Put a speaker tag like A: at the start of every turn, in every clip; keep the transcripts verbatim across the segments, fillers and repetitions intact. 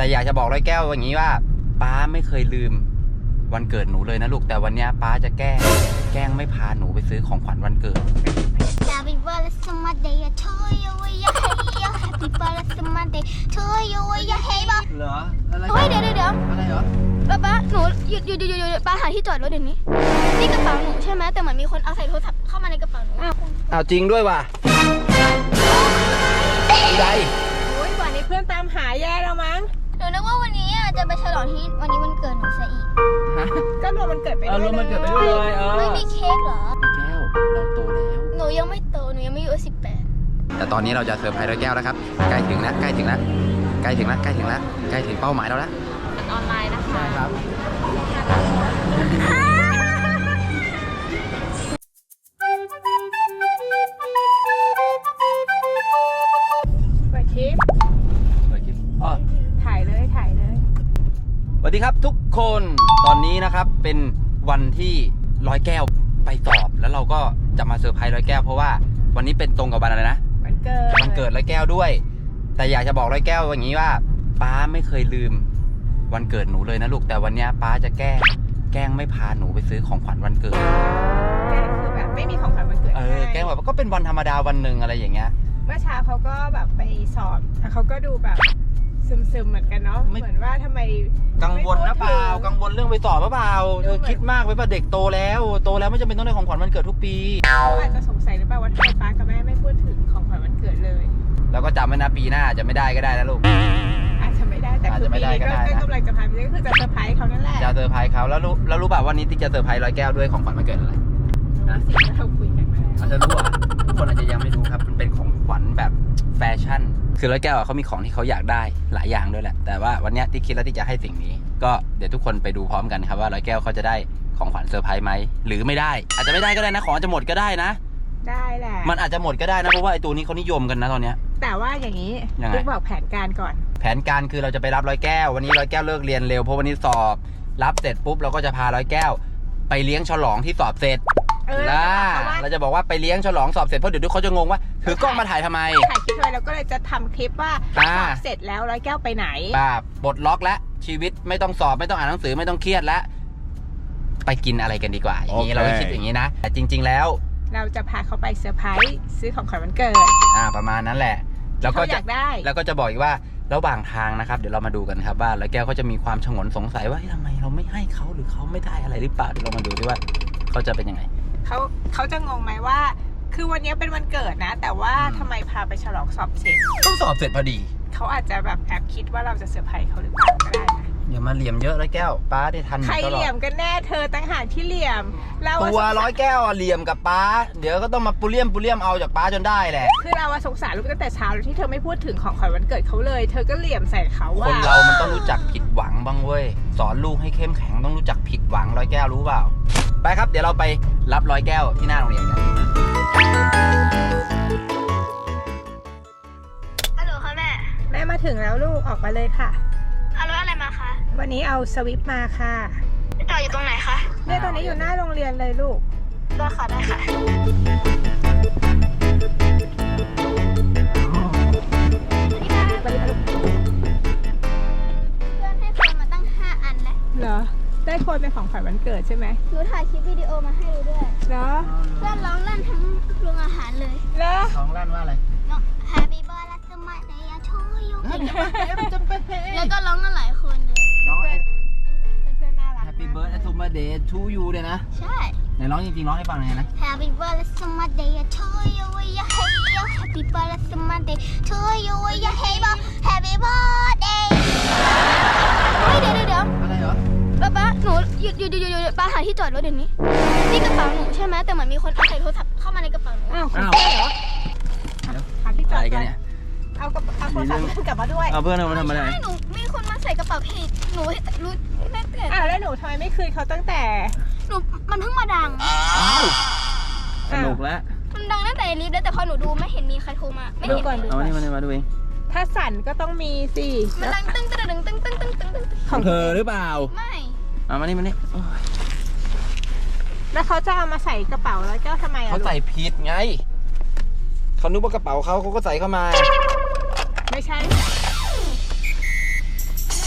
A: แต่อยากจะบอกร้อยแก้วอย่างนี้ว่าป้าไม่เคยลืมวันเกิดหนูเลยนะลูกแต่วันนี้ป้าจะแกล้งแกล้งไม่พาหนูไปซื้อของขวัญวันเกิด
B: Happy birthday to you Happy birthday to you
A: เหรออะไร
C: เฮ้ยเดี๋ยวเดี๋ยวเดี๋ยว
A: อะไรเหรอ
C: ป้าป้าหนูหยุดหยุดหยุดหยุดหยุดป้าหาที่จอดรถเดี๋ยวนี้นี่กระเป๋าหนูใช่ไหมแต่เหมือนมีคนเอาใส่โทรศัพท์เข้ามาในกระเป๋าหนู
A: อ้าวจริงด้วยว่ะได้
D: โอ้ยวันนี้เพื่อนตามหาแย่แล้วมั้ง
C: หนูนึกว่าวันนี้จะไปฉลองที่วันนี้วันเกิดหนูซะอีก
D: ก็รวมมันเกิดไป
A: เออ
D: ด้วย
A: รวมมันเกิดไปด้วยเลยเออ
C: ไม่มีเค้กเหรอ
A: แก้วเราโตแล้ว
C: หนูยังไม่โตหนูยังไม่อายุสิบแปด
A: แต่ตอนนี้เราจะเซอร์ไพรส์ร้อยแก้วแล้วครับใกล้ถึงแล้วใกล้ถึงแล้วใกล้ถึงแล้วใกล้ถึงแล้วใกล้ถึงเป้าหมายเราแล้ว
D: ออนไลน์นะคะ
A: ใช่ครับ
D: เปิดคลิป
A: เปิดคลิปอ๋อ
D: ถ่ายเลยถ่ายเลย
A: สวัสดีครับทุกคนตอนนี้นะครับเป็นวันที่ร้อยแก้วไปสอบแล้วเราก็จะมาเซอร์ไพรส์ร้อยแก้วเพราะว่าวันนี้เป็นตรงกับวันอะไรนะ
D: มันเกิด
A: วันเกิดร้อยแก้วด้วยแต่อยากจะบอกร้อยแก้วอย่างนี้ว่าป้าไม่เคยลืมวันเกิดหนูเลยนะลูกแต่วันนี้ป้าจะแกล้งแกล้งไม่พาหนูไปซื้อของขวัญวันเกิด
D: แกล้งคือแบบไม่มีของขวัญวันเกิด
A: เออแกล้งแบบก็เป็นวันธรรมดาวันหนึ่งอะไรอย่างเงี้ย
D: เมื่อเช้าเขาก็แบบไปสอบแต่เขาก็ดูแบบซึมๆเหมือนกันเนาะ
A: ไม่
D: เหมือนว่าทำไม
A: กังวลนะเปล่ากังวลเรื่องไปสอบหรือเปล่าเธอคิดมากไปป่ะเด็กโตแล้วโตแล้วไม่จำเป็นต้องได้ของขวัญวันเกิดทุกปี
D: เขาอาจจะสงสัยหรือเปล่าว่าทำไมป้ากับแม่ไม่พูดถึงของขวัญวันเกิดเลย
A: แล้วก็จำไว้นะปีหน้าอาจจะไม่ได้ก็ได้นะลูก
D: อาจจะไม่ได้แต่
A: อาจ
D: คือ
A: จะไม่
D: ปี
A: ได้
D: นี้
A: ก็
D: ก็
A: ได้นะ
D: ก็กำลังจะพาไปก็คือจะเซอร์ไพรส์เขานั่นแหละ
A: จะเซอร์ไพรส์เขาแล้วรู้แล้วรู้ป่ะวันนี้ติ๊กจะเซอร์ไพรส์ร้อยแก้วด้วยของขวัญวันเกิดอะไร
D: รู้สิ่งที่เราคุยกันมาแล้ว
A: อาจจะรู้อ่ะทุกคนอาจจะยังไม่รู้ครับมันเป็นของขวัญแบบแฟชั่นคือร้อยแก้วอ่ะเขามีของที่เขาอยากได้หลายอย่างด้วยแหละแต่ว่าวันเนี้ยติ๊กคิดแล้วที่จะให้สิ่งนี้ก็เดี๋ยวทุกคนไปดูพร้อมกันครับว่าร้อยแก้วเขาจะได้ของขวัญเซอร์ไพรส์ไหมหรือไม่ได้อาจจะไม่ได้ก็ได้นะของอาจจะหมดก็ได้นะ
D: ได้แหละ
A: มันอาจจะหมดก็ได้นะเพราะว่าไอ้ตัวนี้เขานิยมกันนะตอนเนี้ย
D: แต่ว่าอย่างนี้
A: ยังไง
D: ลูกบอกแผนการก่อน
A: แผนการคือเราจะไปรับร้อยแก้ววันนี้ร้อยแก้วเลิกเรียนเร็วเพราะวันนี้สอบรับเสร็จปุ๊บเราก็จะพาร้อยแก้ว ไปเลี้ยงฉลองที่สอบเสร็จ
D: เออ
A: ล่ะ
D: เรา
A: เรา
D: จะบอกเขาว่า
A: จะบอกว่าไปเลี้ยงฉลองสอบเสร็จเพราะเดี๋ยวทุกเขาจะงงว่าถือกล้องมาถ่ายทำไม
D: ถ่ายคลิปไว้แล้วก็เลยจะทำคลิปว่า
A: อ่า
D: สอบเสร็จแล้วร้อยแก้วไปไหน
A: ป่าปลดล็อกแล้วชีวิตไม่ต้องสอบไม่ต้องอ่านหนังสือไม่ต้องเครียดแล้วไปกินอะไรกันดีกว่าอย่างนี้
E: โอเค
A: เราก็คิดอย่างนี้นะแต่จริง ๆแล้ว
D: เราจะพาเขาไปเซอร์ไพรส์ซื้อของขวัญวันเกิด
A: อ่าประมาณนั้นแหละแล้วก็
D: เขาอ
A: จะ
D: ยากได้
A: แล้วก็จะบอกอีกว่าระหว่างทางนะครับเดี๋ยวเรามาดูกันครับว่าร้อยแก้วเขาจะมีความฉงนสงสัยว่าเฮ้ยทำไมเราไม่ให้เขาหรือเขาไม่ได้อะไรหรือเปล่าเดี๋ยวเรามาดูดิว่าเขาจะเป็นยังไง
D: เขาเขาจะงงไหมว่า คือวันนี้เป็นวันเกิดนะ แต่ว่าทำไมพาไปฉลองสอบเสร็จ
A: ต้องสอบเสร็จพอดี
D: เขาอาจจะแบบแอบคิดว่าเราจะเซอร์ไพรส์เขาหรือเปล่าก็ได้นะ
A: อย่ามาเหลี่ยมเยอะร้อยแก้วป้าได้ทัน
D: ใคร
A: ตล
D: เห
A: อ
D: ลี่ย
A: ด
D: มกันแน่เธอตั้งหากที่เหลี่ยมเราอะ
A: ตัวร้อยแก้วอะเหลี่ยมกับป้าเดี๋ยวก็ต้องมาปุเรียมปุเรียมเอาจากป้าจนได้แหละ
D: คือเราอะสงสารลูกตั้งแต่เช้าแล้วที่เธอไม่พูดถึงของขวัญวันเกิดเขาเลย เธอก็เหลี่ยมใส่เขา
A: ค
D: ว่า
A: นเรามันต้องรู้จักผิดหวังบ้างเว้ยสอนลูกให้เข้มแข็งต้องรู้จักผิดหวังร้อยแก้วรู้เปล่าไปครับเดี๋ยวเราไปรับร้อยแก้วที่หน้าโรงเรียนกัน
C: ฮัลโหลค่ะแม่
D: แม่มาถึงแล้วลูกออกมาเลยค่ะ
C: เอารถอะไรมาคะ
D: วันนี้เอาสวิฟมาค่ะ
C: จอดอยู่ตรงไหนคะ
D: เนี่ยตอนนี้อยู่หน้าโรงเรียนเลยลูก
C: ได้ค่ะได้ค่ะ
D: ไปเลยลูก
B: เพื่อนให้เฟิร์นมาตั้งห้าอันแล้ว
D: เหรอ ได้คนเป็นของขวัญวันเกิดใช่ไหม
B: หนูถ่ายคลิปวิดีโอมาให้ดูด้วย
D: เหรอ
B: เพื่อนร้องลั่นทั้งโรงอาหารเลย
D: เหรอ
A: น้องลั่นว่าอะไร
B: น้อง Happy birthday to you แล้วก็ร้องกันหลายคนเลย
A: น้อง
D: เพื่อนๆน่ารัก
A: Happy birthday to my day to you เนี่ยนะ
B: ใช่
A: ไหนร้องจริงๆร้องให้ฟังหน่อยนะ
B: Happy birthday to you Happy birthday to you Happy birthday
C: เฮ้ยเดี๋ยวเดี๋ยวเดี๋ยว
A: อะไรเหรอ
C: ป้าป้าหนูหยุดหยุดหยุดหยุดหยุดป้าหาที่จอดรถเดี๋ยวนี้นี่กระเป๋าหนูใช่ไหมแต่เหมือนมีคนเอาใส่โทรศัพท์เข้ามาในกระเป๋าหนู
D: อ้าว
A: อ้าว
D: ใช่เหรอหาที่จอ
A: อะ
D: ด
A: ไร
D: ก่
A: กั
D: อน น
A: เนี่ย
D: เอากระเอาโทรศัพท์กลับมาด้วย
A: เอาเพื่อนเอามาทำอะไร
C: ใช่หนูมีคนมาใส่กระเป๋าผิดหนูรู้แม่เตือน
D: อ้าวแล้วหนูทำไมไม่คืนเขาตั้งแต่
C: หนูมันเพิ่งมาดัง
A: อ้าวสนุกแล้ว
C: มันดังตั้งแต่ในลิฟต์แล้วแต่พอหนูดูไม่เห็นมีใครโทรมาไม่
D: ดู
C: เห็น
D: ก่อนดู
A: เอา
D: ก่อ
A: มานี่
D: น
A: มานี่มาดูเอง
D: ถ้าสั่นก็ต้องมีสิ
C: มันดังตึ้งตึ้งตึ้งตึ้งตึ้งตึ้งตึ้งตึ้ง
A: ของเธอหรือเปล่า
C: ไม่
A: เอามานี่มานี่โอ้ย
D: แล้วเขาจะเอามาใส่กระเป๋าแล้วเจ้าทำไมอ่ะ
A: เขาใส่ผิดไงเขานึกว่ากระเป๋าเขาเขาก็ใส่เข้ามา
D: ไม่ใช่
C: แ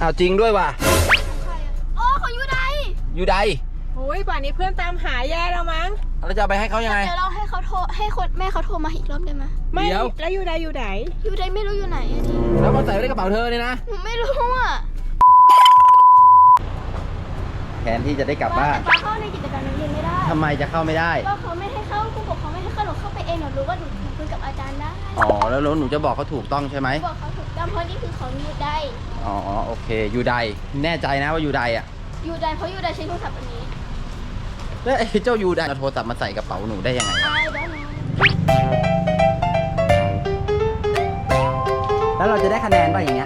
A: อ้าวจริงด้วยว่ะ
C: ใครอะอ๋อของยูได
A: อยู่ใด
D: โอ้ยป่านนี้เพื่อนตามหาแย่แล้วมั้ง
A: เราจะเอาไปให้เขายังไง
C: เดี๋ยวเราให้เขาโทรให้คนแม่เขาโทรมาอีกรอบได้ไหม
D: ไม่
A: เดี๋ยว
D: แล้วอยู่ใดอยู่ไหน
C: ยูไดไม่รู้อยู่ไหนอะดิ
A: แล้วมาใส่ไว้ในกระเป๋าเธอเนี่ยนะ
C: หนูไม่รู้อ่ะ
A: แทนที่จะได้กลับบ้าน
C: แต่ป้าเข้าในกิจการนักเรียนไม่ได้
A: ทำไมจะเข้าไม่ได้
C: ก็เขาไม่ให้เข้าผู้ปกครองไม่ให้เข้าหนูเข้าไปเองหนูรู้ว่าหนูคุยกับอาจารย์ได้
A: อ๋อ แล้วแล้วหนูจะบอกเขาถูกต้องใช่ไหม
C: บอกเขาถูกต้องเพราะนี่คือของยูได
A: อ๋อ โอเค อยู่ใด แน่ใจนะว่าอยู่ใดอ่ะ
C: ยูไดเพราะยูไดใช้โทรศัพท์อันนี้
A: แล้วไอ้เจ้าอยู่ใดเอาโทรศัพท์มาใส่กระเป๋าหนูได้ยังไง
C: I don't know
A: แล้วเราจะได้คะแนนป่ะอย่างเงี้ย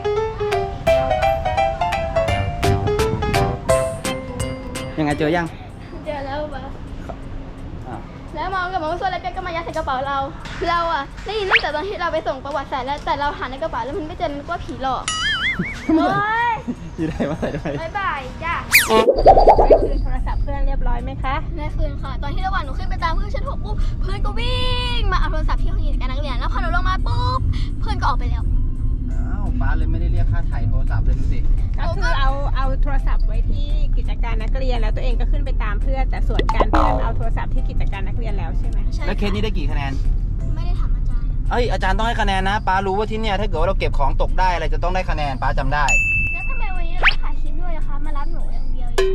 A: ยังไงเจอยัง
C: เจอแล้วปะ
A: อ้าว
C: แล้วมองกับมองส่วนแล้วแกก็มายัดใส่กระเป๋าเรา เราอะได้ยินตั้งแต่ตอนที่เราไปส่งประวัติศาสตร์แล้วแต่เราหาในกระเป๋าแล้วมันไม่เจอนึกว่าผีหลอกโอ้ย
A: อยู่ใดมาใส่ด้วย
C: บายบายจ้ะ
D: ได้คืนโทรศัพท์เพื่อนเรียบร้อยไหมคะ
C: แม่คืนค่ะ ตอนที่ระหว่างหนูขึ้นไปตามเพื่อนชั้นหกปุ๊บเพื่อนก็วิ่งมาเอาโทรศัพท์ที่ห้องกิจการนักเรียนแล้วพอหนูลงมาปุ๊บเพื่อนก็ออกไปแล้ว
A: อ้าวป้าเลยไม่ได้เรียกค่าถ่ายโทรศัพท์เลยดูสิ
D: ก็คือเอาเอาโทรศัพท์ไว้ที่กิจการนักเรียนแล้วตัวเองก็ขึ้นไปตามเพื่อนแต่ส่วนการเพื่อนเอาโทรศัพท์ที่กิจการนักเรียนแล้วใช่ไหม
C: ใช่
A: แล้วเคสนี้ได้กี่คะแนน
C: ไม่ได้ถามอาจารย์
A: เอ้ยอาจารย์ต้องให้คะแนนนะป้ารู้ว่าที่เนี่ยถ้าเกิดว่าเราเก็บของตกได้อะไรจะต้องได้คะแนนป้าจำได้
C: แล้วทำไมวันนี้เราถ่ายคลิปด้วยนะคะมารับหนูอย่างเดียวเอง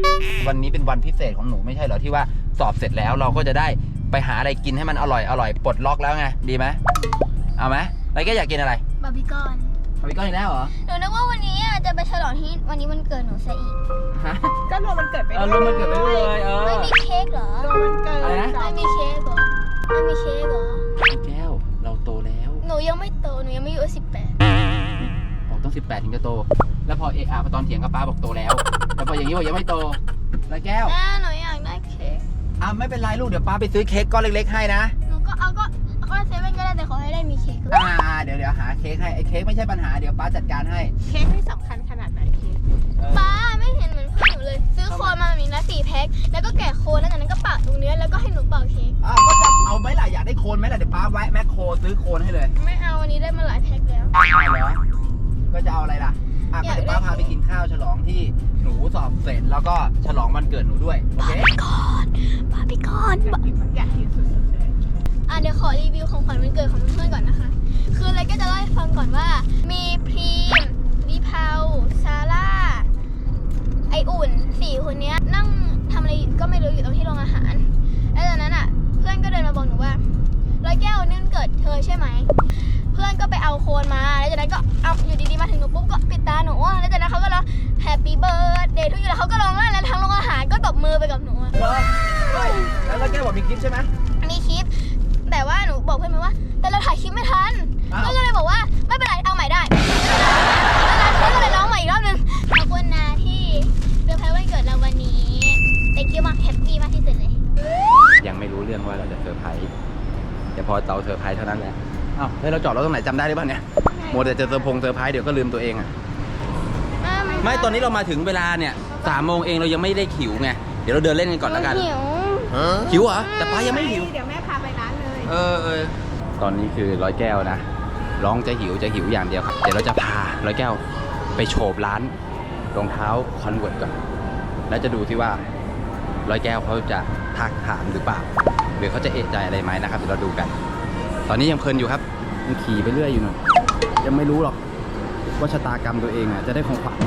A: วันนี้เป็นวันพิเศษของหนูไม่ใช่เหรอที่ว่าสอบเสร็จแล้วเราก็จะได้ไปหาอะไรกินให้มันอร่อยอร่อยปลดล็อกแล้วไงดีไหมเอาไหมแล้วแกอยากกินอะไร
C: บาร์บีคอน
A: ทำอีกก้อนอีกแล้วเหรอ
C: หนูนึกว่าวันนี้อ่ะจะไปฉลองที่วันนี้วันเกิดหนูซะอีก
A: ฮะ
D: ก็รวมมันเกิดไป
A: เออรวมวันเกิดไปด้วยเลยเออ
C: ไม่มีเค้กเหรอ
D: รวมมันเกิด
A: อะไรนะ
C: ไม่มีเค้กเหรอไม่มีเค้กเหรอ
A: แก้วเราโตแล้ว
C: หนูยังไม่โตหนูยังไม่อายุสิบแปด
A: บอกต้องสิบแปดถึงจะโต แล้วพอเอะอะพอตอนเถียงกับป้าบอกโตแล้วแล้วพออย่างนี้บอกยังไม่โตแล้วแก้ว
C: อ่าหนูอยากได้เค้ก
A: อ่ะไม่เป็นไรลูกเดี๋ยวป้าไปซื้อเค้กก้อนเล็กๆให้นะ
C: หนูก็เอาก็เอาก็เซเว่นก็ได้แต่ขอให้ได้มีเค้กด้วย
A: อ่าเดี๋ยวเดี๋ยวหาเค้กให้ไอ้เค้กไม่ใช่ปัญหาเดี๋ยวป้าจัดการให้
D: เค้กนี่สำคัญขนาดไหนเค้ก
A: เออ
C: ป้าไม่เห็นเหมือนเพื่อนหนูเลย ซื้อโคนมาแบบนี้นะสี่แพ็คแล้วก็แกะโคนแล้วจากนั้นก็ปะตรงเนี้ยแล้วก็ให้หนูเป่าเค้ก
A: อ่ะก็จะเอาไหมล่ะอยากได้โคนไหมล่ะเดี๋ยวป้าแวะแมคโครซื้อโคนให้เลย
C: ไม่เอาวันนี้ได้มาหลายแพ็คแล้ว
A: เอาเหรอก็จะเอาอะไรล่ะอ่ะก็เดี๋ยวป้าพาไปกินข้าวฉลองที่หนูสอบเสร็จแล้วก็ฉลองวันเกิดหนูด้วยโอเค
C: ก่อนบาร์บีคอน
D: อยากกินอยากกินสุดๆเลย
C: อ่ะเดี๋ยวขอรีวิวของขวัญวันเกิดของเพื่อนๆก่อนนะคะ คืออะไรก็จะเล่าให้ฟังก่อนว่า มีพรีมวิภาซาร่า ไออุ่นสี่คนเนี้ยนั่งทำอะไรก็ไม่รู้อยู่ตรงที่โรงอาหาร แล้วจากนั้นอ่ะ เพื่อนก็เดินมาบอกหนูว่าร้อยแก้วนี่มันเกิดเธอใช่ไหม เพื่อนก็ไปเอาโคนมา แล้วจากนั้นก็เอาอยู่ดีๆมาถึงหนูปุ๊บก็ปิดตาหนูอะแล้วจากนั้นเขาก็ร้อง Happy Birthday ทุกอย่างแล้วเขาก็ร้องไห้แล้วทั้งโรงอาหารก็ตบมือไปกับหนูอะ
A: เหรอเฮ้ยแล้วเราแกบอกมีคลิปใช่ไหม
C: มีคลิป แต่ว่าหนูบอกเพื่อนไปว่า แต่เราถ่ายคลิปไม่ทัน
A: อ้าว
C: เพื่อนก็เลยบอกว่าไม่เป็นไรเอาใหม่ได้เพื่อนก็เลยร้องใหม่อีกรอบนึงขอบคุณนะที่เซอร์ไพรส์วันเกิดเราวันนี้ thank you มากแฮปปี้มากที่สุดเลย
A: ยังไม่รู้เรื่องว่าเราจะเซอร์ไพรส์แต่พอเราเซอร์ไพรส์เท่านั้นแหละอ้าวเฮ้ยเราจอดรถตรงไหนจำได้หรือเปล่าเนี่ยโมวแต่จะเซอร์พงเซอร์ไพรส์เดี๋ยวก็ลืมตัวเองอ่ะไม่ตอนนี้เรามาถึงเวลาเนี่ยสามโมงเองเรายังไม่ได้หิวไงเดี๋ยวเราเดินเล่นกันก่อนแล้วกัน
C: หิว
A: หิวเหรอแต่ป้ายังไม่หิว
D: เดี๋ยวแม่พาไปร้านเลย
A: เออเออตอนนี้คือร้อยแก้วนะร้องจะหิวจะหิวอย่างเดียวครับเดี๋ยวเราจะพาร้อยแก้วไปโฉบร้านรองเท้าคอนเวิร์ตก่อนแล้วจะดูที่ว่าร้อยแก้วเขาจะทักถามหรือเปล่าหรือเขาจะเอะใจอะไรไหมนะครับเดี๋ยวเราดูกัน ตอนนี้ยังเพลินอยู่ครับยังขี่ไปเรื่อยอยู่หน่อยยังไม่รู้หรอกว่าชะตากรรมตัวเองอ่ะจะได้ของขวัญ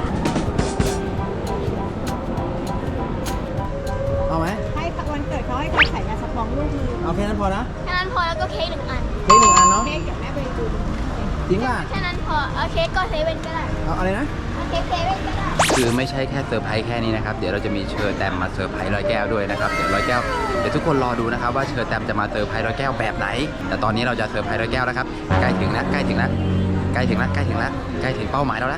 A: เอาไหม
D: ให้วันเกิดเขาให้เขาใส่ยาสปองลูกมือ
A: เอาแค่นั้นพอนะ
C: แค่นั้นพอแล้วก็เค้กหนึ่งอัน
A: เค้กหนึ่งอันเนาะ
D: เค้กเดี๋ยวแม่ไปดู
A: จริงป่ะ
C: แค่นั้นพอ เอาเค้กก็เซเว่นก็ได้
A: เอาอะไรนะ
C: เอาเค้กเซเว่นก็ได้
A: คือไม่ใช่แค่เซอร์ไพรส์แค่นี้นะครับเดี๋ยวเราจะมีเชอร์แตมมาเซอร์ไพรส์ร้อยแก้วด้วยนะครับเดี๋ยวร้อยแก้วเดี๋ยวทุกคนรอดูนะครับว่าเชอร์แตมจะมาเซอร์ไพรส์ร้อยแก้วแบบไหนแต่ตอนนี้เราจะเซอร์ไพรส์ร้อยแก้วแล้วครับใกล้ถึงแล้วใกล้ถึงแล้วใกล้ถึงแล้วใกล้ถึงแล้วใกล้ถึงเป้าหมายเราแล้ว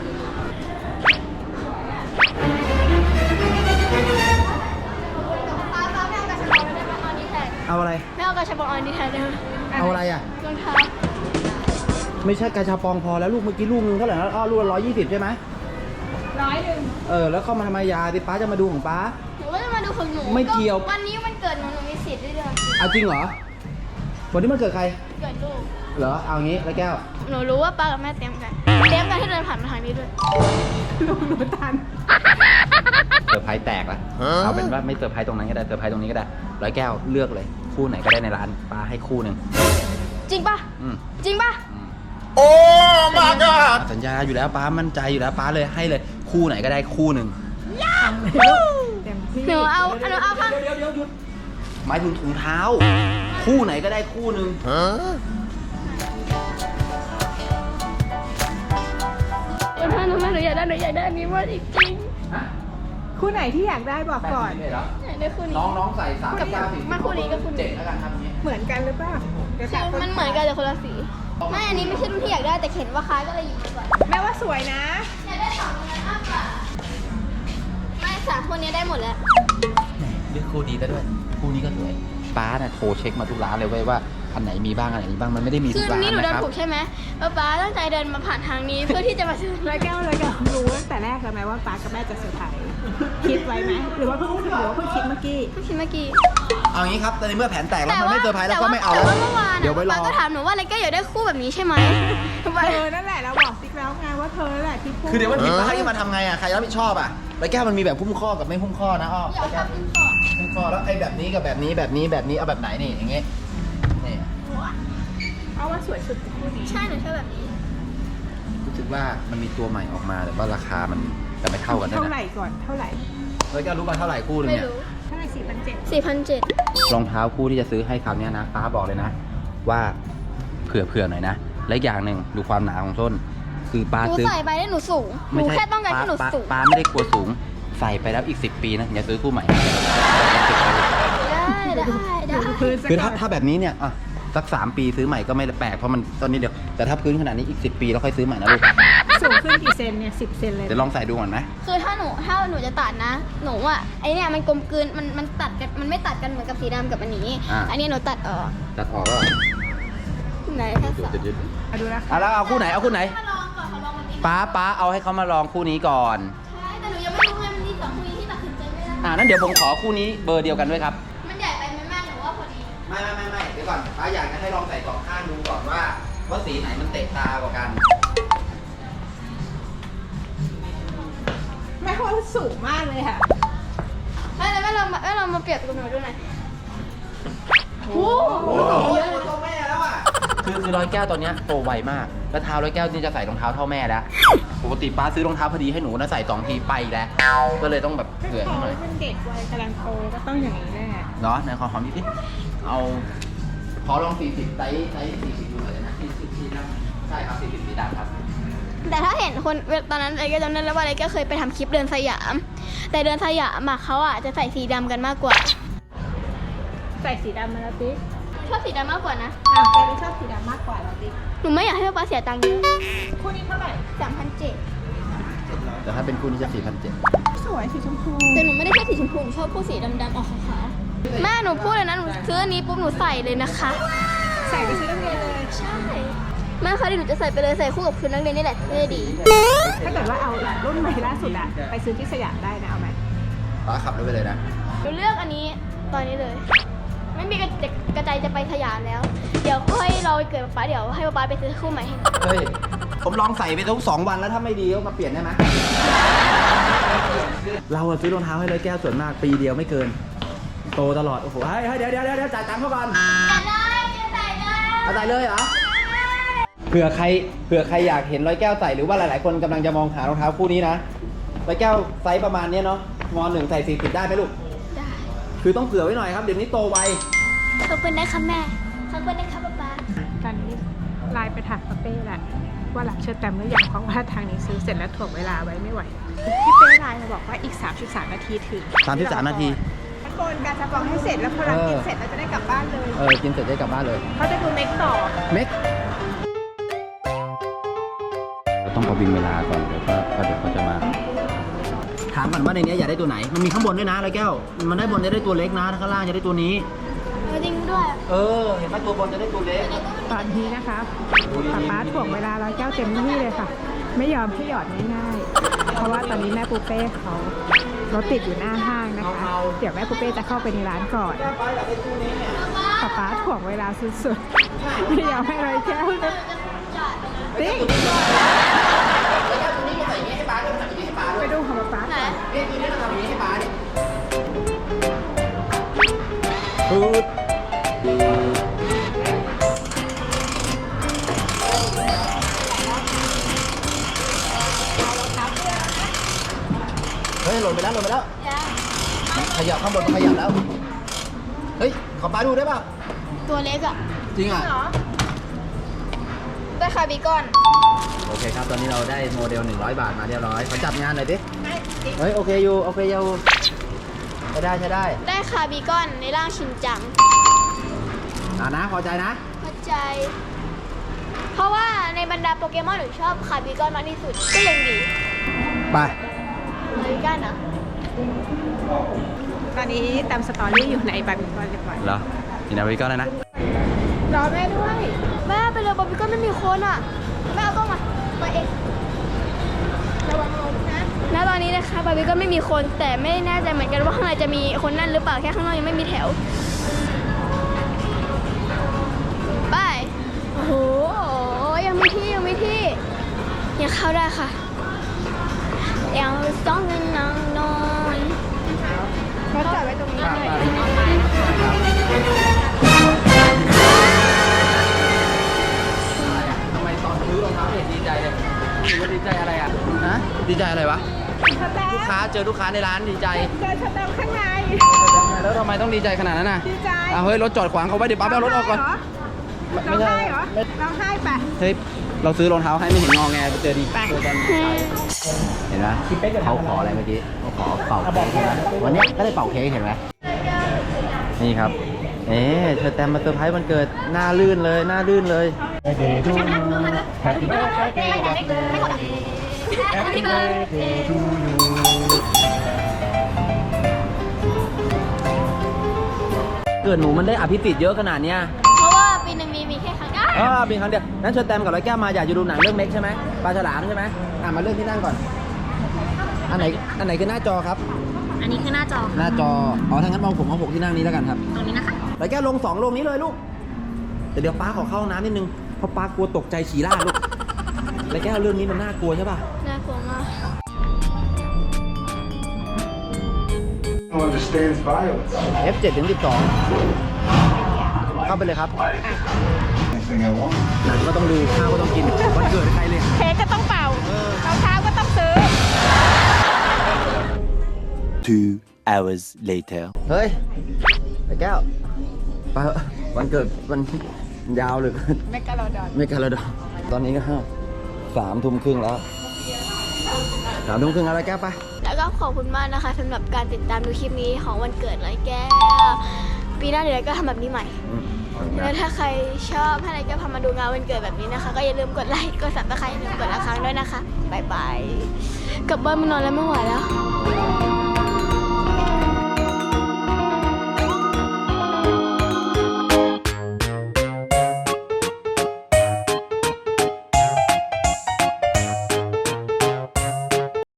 C: ป้าป้าไม่เอากระชับออนได้ไหมออนดีแทน
A: เอาอะไร
C: ไม่เอากระชับออนดีแทนได้ไหม
A: เอาอะไรอ่ะ
C: รองเท้า
A: ไม่ใช่กระชาปองพอแล้วลูกเมื่อกี้ลูกนึงเท่าไหร่นะอ้อลูกละร้อยยี่สิบใช่ไหม
D: ร้อยหนึ่ง
A: เออแล้วเข้ามาทำไมยาดิป้าจะมาดูของป้า
C: หนูก็จะมาดูของหนู
A: ไม่เกี่ยว
C: วันนี้วันเกิดหนูหนูมีสิทธิ์ด้วยเดือน
A: เอาจริงเหรอวันนี้มันเกิดใคร
C: เกิดลูก
A: เหรอเอางี้ร้อยแก้ว
C: หนูรู้ว่าป้ากับแม่เตรียมกัน เตรียมกันที่เดินผ่านมาทางนี้ด้วย
D: ลุงหนูทัน
A: เซอร์ไพรส์แตกแล้วเอาเป็นว่าไม่เซอร์ไพรส์ตรงนั้นก็ได้เซอร์ไพรส์ตรงนี้ก็ได้ร้อยแก้วเลือกเลยคู่ไหนก็ได้ในร้านป้าให้คู่หนึ่ง
C: จริงปะ
A: อืม
C: จริงปะ
A: โอ้มาก็สัญญาอยู่แล้วป้ามั่นใจอยู่แล้วป้าเลยให้เลยคู่ไหนก็ได้คู่หนึ่ง
D: เต็มที่
C: หนูเอาหนูเอาข้าง
A: เดี๋ยวเดี๋ยวหยุดหมายถึงถุงเท้า คู่ไหนก็ได้คู่หนึ่ง
C: เพื่อนๆทำไมหนูอยากได้หนูอยากได้อันนี้มากจริง
D: คู่ไหนที่อยากได้บอกก่อน
A: แบบเหรอ
C: ๆอยากได้คู่นี้
A: น้องน้องใส่สามกับเก้าสี่
C: มาคู่นี้กับคู่นี้
A: เจ็ดแล้วกันครับนี้
D: เหมือนกันหรือเปล่าเดี๋ยว
C: ใช่
D: ถามค
C: มันเหมือนกันแต่คนละสีไม่อันนี้ไม่ใช่รุ่นที่อยากได้แต่เห็นว่าคล้ายก็เลยหยิบดีกว่า
D: แม่ว่าสวยนะ
C: อยากได้สองอันนั้นมากกว่าไม่สามคนนี้ได้หมดแล้ว
A: เลือกคู่ดีซะด้วยคู่นี้ก็สวยป้าน่ะโทรเช็คมาทุกร้านเลยเว้ยว่าอันไหนมีบ้างอันไหนมีบ้างมันไม่ได้มี
C: คื
A: ทุ
C: อก
A: ร้าน
C: นี่หนูเดิ
A: นะ
C: น
A: ครับ
C: ถูกใช่ไหมป๊าป๊าตั้งใจเดินมาผ่านทางนี้ เพื่อที่จะมาซื้อ
D: ร้อยแก้วร้อยแก้วรู้ตั้งแต่แรกแล้วไหมว่าป้ากับแม่จะเซอร์ไพรส์คิดไว้ไหมหรือว่าเพิ่งหรือว่าเพิ่งคิดเมื่อกี้
C: เพิ่งคิดเมื่อกี้
A: เอางี้ครับแต่ในเมื่อแผนแตกแล้วมันไม่เซอร์ไพรส์แล้วก็ไม่เอา
C: แต่
A: แล้ว
C: ว่าเมื่อวาน
A: เดี๋ยวไว้รอ
C: ป๊าก็ถามหนูว่าอะไรก็อยากได้คู่แบบนี้ใช่ไหม
D: เธอนั่นแหละเราบอกซิกแล้วไงว่าเธอนั่นแหละที่พูด
A: คือเดี๋ยวมันผิดพลาดที่มาทำไงอ่ะใครรับผิดชอบอ่ะแล้วแก้วมันมีแบบหุ้มข้อกับไม่หุ้มข้อนะอ้อ
C: อยากทำเป็นก่อน
A: หุ้มข้อแล้วไอ้แบบนี้กับแบบนี้แบบนี้แบบนี้เอาแบบไหนนี่อย่างเงี้ยนี่
D: เอาว่าสวยสุดคู่นี้
C: ใช่หนูชอบแบบนี้
A: รู้สึกว่ามันมีตัวใหม่ออกมาแต่ว่าราคามันจะไม่เท่ากันด้วย
D: เท่าไห
A: นะ
D: ร่ก่อนเท่าไหร่
A: แล้วแก้วรู้ป่ะเท่าไหร่คู่หนึง
C: ไม่
A: เนี่ย
C: รู้
D: เท่าไหร่สี่พันเจ็ด
C: สี่พันเจ็ด
A: รองเท้าคู่ที่จะซื้อให้คราวเนี้ยนะป้าบอกเลยนะ ว่าเผื่อเผื่อหน่อยนะและอีกอย่างหนึ่งดูความหนาของส้น คือป้า
C: หนู
A: ซื้อ
C: ใส่ไปได้หนูสูงหนูแค่ต้องการที่หนู
A: ป้า
C: สูง
A: ป้าไม่ได้กลัวสูงใส่ไปแล้วอีกสิบปีนะอย่าซื้อคู่ใหม่
C: ได้ได้ได้
D: พื้นสัก
A: คือ
D: ก่
A: ถ้า
D: อน
A: ถ้าแบบนี้เนี่ยอ่ะสักสามปีซื้อใหม่ก็ไม่แปลกเพราะมันตอนนี้เดียวแต่ถ้าพื้นขนาดนี้อีกสิบปีแล้วค่อยซื้อใหม่นะลูก
D: สูงขึ้นกี่เซนเนี่ยสิบเซนเลย
A: เดี๋ยวลองใส่ดูก่อนไหม
C: คือถ้าหนูถ้าหนูจะตัดนะ หนูอ่ะไอเนี่ยมันกลมกลืนมันมันตัดกันมันไม่ตัดกันเหมือนกับสีดำกับอันนี้ อันนี้หนูตัดออก
A: ตัดออกแล้ว
C: ไหนแค่สอง
D: มาดูนะ
A: อ่ะแล้วเอาคู่ไหนเอาคู่ไหน
C: มาลองก่อนเขาลองวันนี้
A: ป้าป้าเอาให้เขามาลองคู่นี้ก่อน
C: ใช่แต่หนูยังไม่รู้ไงมันมีสองคู่นี้ที่ตัดสินใจไม่ได้
A: อ่านั้นเดี๋ยวผมขอคู่นี้เบอร์เดียวกันด้วยครับ
C: มันใหญ่ไปไหมแม่หนูว่าพอดี
A: ไม่ไม่ไม่ไม่เดี๋ยวก่อนป้าอยากจะให้ลองใส่สองข้างดูก่อนว่าว่าสีไหนมันเตะตากว่ากัน
D: แม่ว่าสูงมากเลยค่ะ
C: แม่แล้วแม่ลองมาแม่ลองมาเปรียบกับหนูดูหน่อยโอ้
A: โอ้โหตัวแม่แล้วอ่ะคือคือร้อยแก้วตอนเนี้ยโตไวมากแล้วเท้าร้อยแก้วนี่จะใส่รองเท้าเท่าแม่แล้วปกติป้าซื้อรองเท้าพอดีให้หนูนะใส่สองทีไปแล้วก็เลยต้องแบบเผื่อ
D: เขา
A: ให้หน่อย
D: เป็นเด็กวัยกำลังโตก็ต้องอย่างนี้แน่
A: เนาะในขอหอมนิดนิดเอาขอลองสี่สิบไซส์ไซส์สี่สิบดูหน่อยนะสี่สิบสีดำใช่ครับสี่สิบสีดำครับ
C: แต่ถ้าเห็นคนตอนนั้นอะไรก็จำได้แล้วว่าอะไรก็เคยไปทำคลิปเดินสยาม แต่เดินสยามอะเขาอะจะใส่สีดำกันมากกว่า
D: ใส่สีดำมาแล้วติ๊ก
C: ชอบสีดำมากกว่านะ
D: อ่ะแกไม่ชอบสีดำมากกว่าแล้วติ๊ก
C: หนูไม่อยากให้ป๊าเสียตังค์เยอะ
D: คู่นี้เท่าไหร่
C: สามพันเจ็ด
A: แต่ถ้าเป็นคู่นี้จะสี่พันเจ็ด
D: สวยสีชมพู
C: แต่หนูไม่ได้ชอบสีชมพูหนูชอบพวกสีดำๆออกขาวๆแม่หนูพูดเลยนะหนูซื้ออันนี้ปุ๊บหนูใส่เลยนะคะ
D: ใส่ไปซื้อนักเรียนเลย
C: ใช่แม่คะเดี๋ยวหนูจะใส่ไปเลยใส่คู่กับชุดนักเรียนนี่แหละเท่ดี
D: ถ้าเกิดว่าเอารุ่นใหม่ล่าสุดอะไปซื้อที่สยามได้นะเอาไหม
A: ป้าขับรถไปเลยนะ
C: หนูเลือกอันนี้ตอนนี้เลย ไม่มีกระจะกระจายจะไปสยามแล้ว เดี๋ยวค่อยรอไปเกิดป๊าเดี๋ยวให้ป๊าไปซื้อคู่ใหม่ให้
A: เฮ้ยผมลองใส่ไปทุกสองวันแล้วถ้าไม่ดีก็มาเปลี่ยนได้ไหมเราอะซื้อรองเท้าให้ร้อยแก้วส่วนมากปีเดียวไม่เกิน โตตลอดโอ้โหเฮ้ยเฮ้ยเดี๋ยวเดี๋ยวเดี๋ยวจ่ายตังค์เขาก่อน
C: ใส่เลยใส่เลย
A: เอาใส่เลยเหรอเผื่อใครเผื่อใครอยากเห็นร้อยแก้วใส่หรือว่าหลายๆคนกำลังจะมองหารองเท้าคู่นี้นะร้อยแก้วไซส์ประมาณนี้เนาะมหนึ่งใส่สี่สิบได้ไหมลูก
C: ได้
A: คือต้องเผื่อไว้หน่อยครับเดี๋ยวนี้โตไว
C: ขอบคุณนะคะแม่ขอบคุณนะคะป๊าป๊า
D: ตอนนี้ไลน์ไปถามป้าเป้แหละว่ารับเชิญแตมหรือยังเพราะว่าทางนี้ซื้อเสร็จแล้วถ่วงเวลาไว้ไม่ไหวพี่เป้ไลน์มาบอกว่าอีกสามสิบสามนาทีถึง
A: สามสิบสามนาที
D: ตะโกนการจะบอกให้เสร็จแล้วพอเรากินเสร็จเราจะได้กลับบ้านเลย
A: เออกินเสร็จได้กลับบ้านเลย
D: เขาจะดูเม็กต่อ
A: เม็กเราต้องประวิงเวลาก่อนเดี๋ยวก็เดี๋ยวเขาจะมา ถามก่อนว่าในนี้อยากได้ตัวไหน มันมีข้างบนด้วยนะร้อยแก้ว มันได้บนจะได้ตัวเล็กนะถ้าข้างล่างจะได้ตัวนี้
C: จริงด้วย
A: เออ เห็นไหมตัวบนจะได้ตัวเล็ก
D: ตอนนี้นะคะป๊าป๊าถ่วงเวลาร้อยแก้วเต็มที่เลยค่ะ ไม่ยอมให้หยอดง่ายๆเพราะว่าตอนนี้แม่ปูเป้เขารถติดอยู่หน้าห้างนะคะ เดี๋ยวแม่ปูเป้จะเข้าไปในร้านก่อนป๊าป๊าถ่วงเวลาสุดๆไม่ยอมให้ร้อยแก้วติ๊ก
A: ตัวนี้มาใส่อย่างนี้ให้ป้าด้วยมาใส่อย่างนี้ให้เนี่ยกินแล้วทำอย่างนี้ให้ป้าดิพูดเฮ้ยหล่นไปแล้วหล่นไปแล้วขยับข้างบนมันขยับแล้วเฮ้ยขอป้าดูได้ป่ะ
C: ตัวเล็กอะ
A: จริงอ่ะ
C: ได้คาร์บีคอน
A: โอเคครับตอนนี้เราได้โมเดลหนึ่งร้อยบาทมาเรียบร้อยขอจับงานหน่อยดิเฮ้ยโอเคอยู่โอเคอยู่ใช้ได้ใช้ได้
C: ได้คาร์บีคอนในร่างชินจัง
A: อ่านะพอใจนะ
C: เข้าใจ เพราะว่าในบรรดาโปเกมอนหนูชอบคาร์บีคอนมากที่สุดก็ยังดี
A: ไป
C: คาร์บีคอนเหรอ
D: ตอนนี้ตามสตอรี่อยู่ในบาร์บีคอนเรียบร้อย
A: เหรอกินอาวิก็เลยนะ
D: รอแม่ด้วย
C: แม่ไปเลยบาร์บีคอนไม่มีคนอ่ะแม่เอากล้องมาไปเองระวังลมนะณตอนนี้นะคะบาร์บีคอนไม่มีคนแต่ไม่แน่ใจเหมือนกันว่าข้างในจะมีคนนั่นหรือเปล่าแค่ข้างนอกยังไม่มีแถวไปโอ้โหยังมีที่ยังมีที่ยังเข้าได้ค่ะยังต้องเงินนางนอน
D: เขาจอดไว้ตรงนี้เลย
A: ทำไมตอนซื้อรองเท้าเห็นดีใจเลยหรือว่าดีใจอะไรอ่ะฮะดีใจอะไรวะ
D: สแตม
A: ลูกค้าเจอลูกค้าในร้านดีใจ
D: เจอสแตมข้างใน
A: แล้วทำไมต้องดีใจขนาดนั้นน่ะ
D: ดีใจ
A: อ่ะเฮ้ยรถจอดขวางเขาไว้เดี๋ยวป้าไปเอารถออกก่อน
D: ร้องไห้เหรอร้องไห้ปะ
A: เฮ้ยเราซื้อรองเท้าให้ไม่เห็นงอแงไปเจอดี
D: ไป
A: เจอกันเห็นไหมเขาขออะไรเมื่อกี้เขาขอเป่าเค้กใช่ไหมวันนี้ก็ได้เป่าเค้กเห็นไหมนี่ครับเอ๊ะเธอแตมมาเซอร์ไพรส์วันเกิดหน้าลื่นเลยหน้าลื่นเลย เกิดหนูมันได้อภิสิทธิ์เยอะขนาดเนี้ย
C: เพราะว่าปีหนึ่งมีมีแค่ครั้งเดียว
A: เออเป็นครั้งเดียวนั้นเชิญแตมกับร้อยแก้วมาอยากจะดูหนังเรื่องเม็กใช่ไหมปลาฉลามใช่ไหมอ่ะมาเรื่องที่นั่งก่อน อันไหนอันไหนคือหน้าจอครับ
B: อันนี้คือหน้าจอ
A: หน้าจอ อ๋อถ้างั้นมองผมเอาหกที่นั่งนี้แล้วกันครับ
B: ตรงนี้นะคะ
A: ร้อยแก้วลงสองลงนี้เลยลูกแต่เดี๋ยวป้าขอเข้าห้องน้ำนิดนึงเพราะป้ากลัวตกใจฉี่ราดลูกร้อยแก้วเรื่องนี้มันน่ากลัวใช่ป่ะ
C: น่ากลัวมาก
E: understands violence.
A: เอฟ เจ็ดถึงสิบสองเข้าไปเลยครับ
E: Anything I want.
A: หนังก็ต้องดูข้าวก็ต้องกินวันเกิดใครเลย
D: เค้กก็ต้องเป่า
A: เออ
D: รองเท้าก็ต้องซื้อ
F: Two hours later.
A: เฮ้ยร้อยแก้วไปเถอะวันเกิดมันยาวเหลย
D: แมกกาโลดอน
A: ไม่กันแล้วดอกตอนนี้ก็สามทุ่มครึ่งแล้วสามทุ่มครึ่งแล้วแก้วไป
C: แล้วก็ขอบคุณมากนะคะสำหรับการติดตามดูคลิปนี้ของวันเกิดร้อยแก้ว ปีหน้าเดี๋ยวเราก็ทำแบบนี้ใหม่ แล้วถ้าใครชอบให้อะไรก็พามาดูงานวันเกิดแบบนี้นะคะ ก็อย่าลืมกดไลค์ กดซับสไครต์อย่าลืมกดละครั้งด้วยนะคะ บ๊ายบาย กลับบ้านมานอนแล้วไม่ไหวแล้ว